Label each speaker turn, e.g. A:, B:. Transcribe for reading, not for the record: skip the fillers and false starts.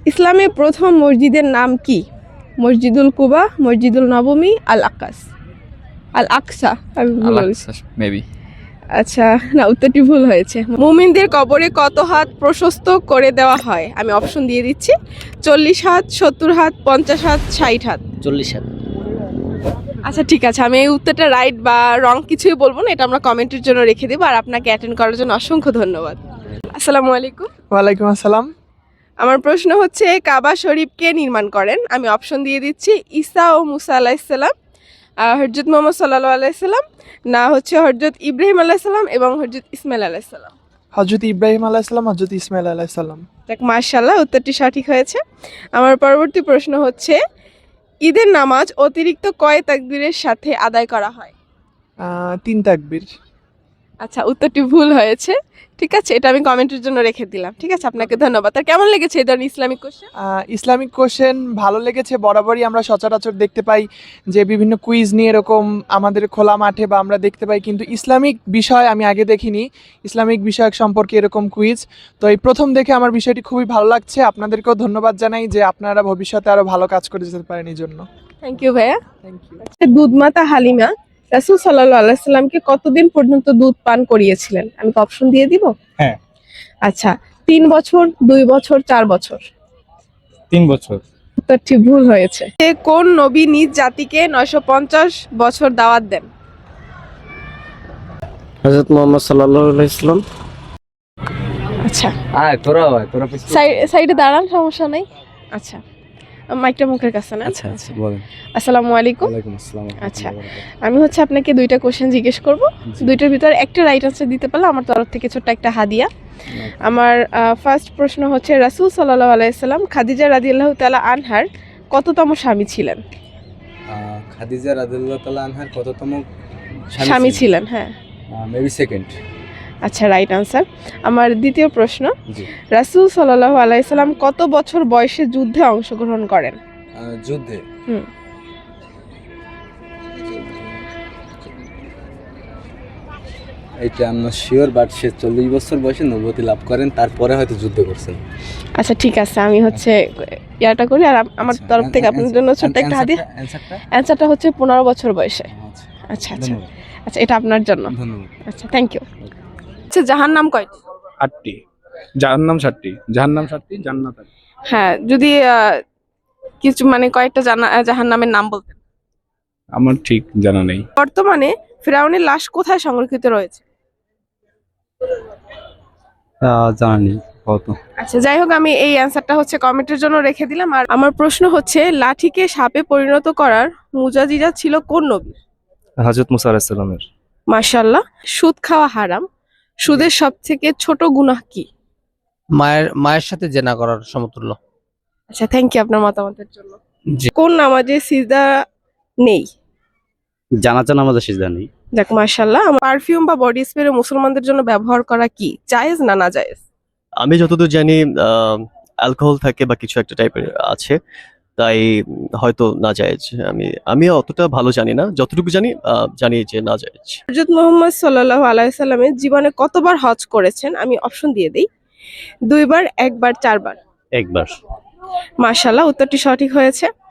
A: ইসলামে প্রথম মসজিদের নাম কি? মসজিদুল কুবা, মসজিদুল নবমী, আল আকাস, আল আকসা। আমি ভুল বলেছি।
B: মেবি।
A: আচ্ছা, না, উত্তরটি ভুল হয়েছে। মুমিনদের কবরে কত হাত প্রশস্ত করে দেওয়া হয়? আমি অপশন দিয়ে দিচ্ছি: 40 হাত, 70 হাত, 50 হাত, 60 হাত।
C: 40 হাত।
A: আচ্ছা, ঠিক আছে, আমি এই উত্তরটা রাইট বা রং কিছুই বলবো না, এটা আমরা কমেন্টের জন্য রেখে দেবো। আর আপনাকে অ্যাটেন্ড করার জন্য অসংখ্য ধন্যবাদ। আসসালামু আলাইকুম।
D: ওয়ালাইকুম আসসালাম।
A: আমার প্রশ্ন হচ্ছে, কাবা শরীফ কে নির্মাণ করেন? আমি অপশন দিয়ে দিচ্ছি: ঈসা ও মুসা আলাইসাল্লাম, হযরত মুহাম্মদ সাল্লাল্লাহু আলাইহি সাল্লাম, না হচ্ছে হযরত ইব্রাহিম আলাইহিস সালাম এবং হযরত ইসমাইল আলাইহিস সালাম।
D: হযরত ইব্রাহিম আলাইহিস সালাম, হযরত ইসমাইল আলাইহিস সালাম।
A: দেখ, মাশাআল্লাহ, উত্তরটি সঠিক হয়েছে। আমার পরবর্তী প্রশ্ন হচ্ছে, ঈদের নামাজ অতিরিক্ত কয় তাকবীরের সাথে আদায় করা হয়?
D: 3 তাকবীর।
A: আচ্ছা, উত্তরটি ভুল হয়েছে। ঠিক আছে, এটা আমি কমেন্টের জন্য রেখে দিলাম। ঠিক আছে, আপনাকে ধন্যবাদ। আর কেমন লেগেছে এই ধরনের ইসলামিক কোশ্চেন?
D: ইসলামিক কোশ্চেন ভালো লেগেছে। বরাবরই আমরা সচরাচর দেখতে পাই যে বিভিন্ন কুইজ নিয়ে এরকম আমাদের খোলা মাঠে বা আমরা দেখতে পাই, কিন্তু ইসলামিক বিষয় আমি আগে দেখিনি, ইসলামিক বিষয়ক সম্পর্কে এরকম কুইজ। তো এই প্রথম দেখে আমার বিষয়টি খুবই ভালো লাগছে। আপনাদেরকেও ধন্যবাদ জানাই যে আপনারা ভবিষ্যতে আরো ভালো কাজ করে যেতে পারেন এই জন্য।
A: থ্যাংক ইউ ভাইয়া।
D: Thank you.
A: দুধমাতা হালিমা রাসূল সাল্লাল্লাহু আলাইহি সাল্লামকে কতদিন পর্যন্ত দুধ পান করিয়েছিলেন? আমি কি অপশন দিয়ে দিব?
B: হ্যাঁ।
A: আচ্ছা, 3 বছর, 2 বছর, 4 বছর।
B: 3 বছর।
A: উত্তরটি ভুল হয়েছে। কোন নবী নিজ জাতিকে 950 বছর দাওয়াত দেন?
C: হযরত মুহাম্মদ সাল্লাল্লাহু আলাইহি সাল্লাম।
A: আচ্ছা,
C: তোরা
A: সাইডে দাঁড়ান, সমস্যা নাই। আচ্ছা, মাইকটা মুখের কাছে না।
C: আচ্ছা আচ্ছা বলেন।
A: আসসালামু আলাইকুম।
C: ওয়ালাইকুম আসসালাম।
A: আচ্ছা, আমি হচ্ছে আপনাকে 2টা কোশ্চেন জিজ্ঞেস করব। দুইটার ভিতরে একটা রাইট আনসার দিতে পারলে আমার তরফ থেকে ছোট্ট একটা হাদিয়া। আমার ফার্স্ট প্রশ্ন হচ্ছে, রাসূল সাল্লাল্লাহু আলাইহি সাল্লাম খাদিজা রাদিয়াল্লাহু তাআলা আনহার কততম স্বামী ছিলেন?
E: খাদিজা রাদিয়াল্লাহু তাআলা আনহার কততম
A: স্বামী ছিলেন? হ্যাঁ,
E: মেবি সেকেন্ড।
A: আচ্ছা, রাইট আনসার। আমার দ্বিতীয় প্রশ্ন,
E: জি।
A: রাসূল সাল্লাল্লাহু আলাইহি সাল্লাম কত বছর বয়সে যুদ্ধে অংশগ্রহণ করেন?
E: যুদ্ধে
A: হুম
E: এটা আমরা শিওর, বাট সে 40 বছর বয়সে নবুয়তি লাভ করেন, তারপরে হয়তো যুদ্ধ করছেন।
A: আচ্ছা, ঠিক আছে, আমি হচ্ছে ইয়াটা করি। আর আমার তরফ থেকে আপনার জন্য ছোট্ট একটা হাদিয়া। অ্যানসারটা হচ্ছে 15 বছর বয়সে। আচ্ছা আচ্ছা আচ্ছা, এটা আপনার জন্য।
E: ধন্যবাদ।
A: আচ্ছা, থ্যাংক ইউ। আচ্ছা, জাহান্নাম কয়টি?
B: 8টি। জাহান্নাম 7টি। জাহান্নাম 7টি, জান্নাত 8টি।
A: হ্যাঁ, যদি কিছু মানে কয়েকটা জাহান্নামের নাম বলতেন।
B: আমার ঠিক জানা নেই।
A: বর্তমানে ফিরআউনের লাশ কোথায় সংরক্ষিত রয়েছে?
E: জানা নেই কত।
A: আচ্ছা, যাই হোক, আমি এই অ্যানসারটা হচ্ছে কমেন্টের জন্য রেখে দিলাম। আর আমার প্রশ্ন হচ্ছে, লাঠিকে সাপে পরিণত করার মুজাজিজা ছিল কোন নবী?
F: হযরত মুসা আলাইহিস সালামের।
A: মাশাআল্লাহ। সুদ খাওয়া হারাম, সুদের সবথেকে ছোট গুনাহ কি?
C: মায়ের সাথে জেনা করার সমতুল্য।
A: আচ্ছা, থ্যাংক ইউ আপনার মতামতের জন্য।
C: জি।
A: কোন নামাজে সিজদা নেই?
F: জানাজা নামাজে সিজদা নেই।
A: দেখ, মাশাআল্লাহ। পারফিউম বা বডি স্প্রে মুসলমানদের জন্য ব্যবহার করা কি জায়েজ না নাজায়েজ?
F: আমি যতদূর জানি অ্যালকোহল থাকে বা কিছু একটা টাইপের আছে, তাই হয়তো না জায়েজ। আমি অতটা ভালো জানি না, যতটুকু জানি জানি যে না জায়েজ।
A: হযরত মুহাম্মদ সাল্লাল্লাহু আলাইহি সাল্লামের জীবনে কতবার হজ করেছেন? আমি অপশন দিয়ে দেই: 2 বার, 1 বার, 4 বার।
F: একবার।
A: মাশাআল্লাহ, উত্তরটি সঠিক হয়েছে।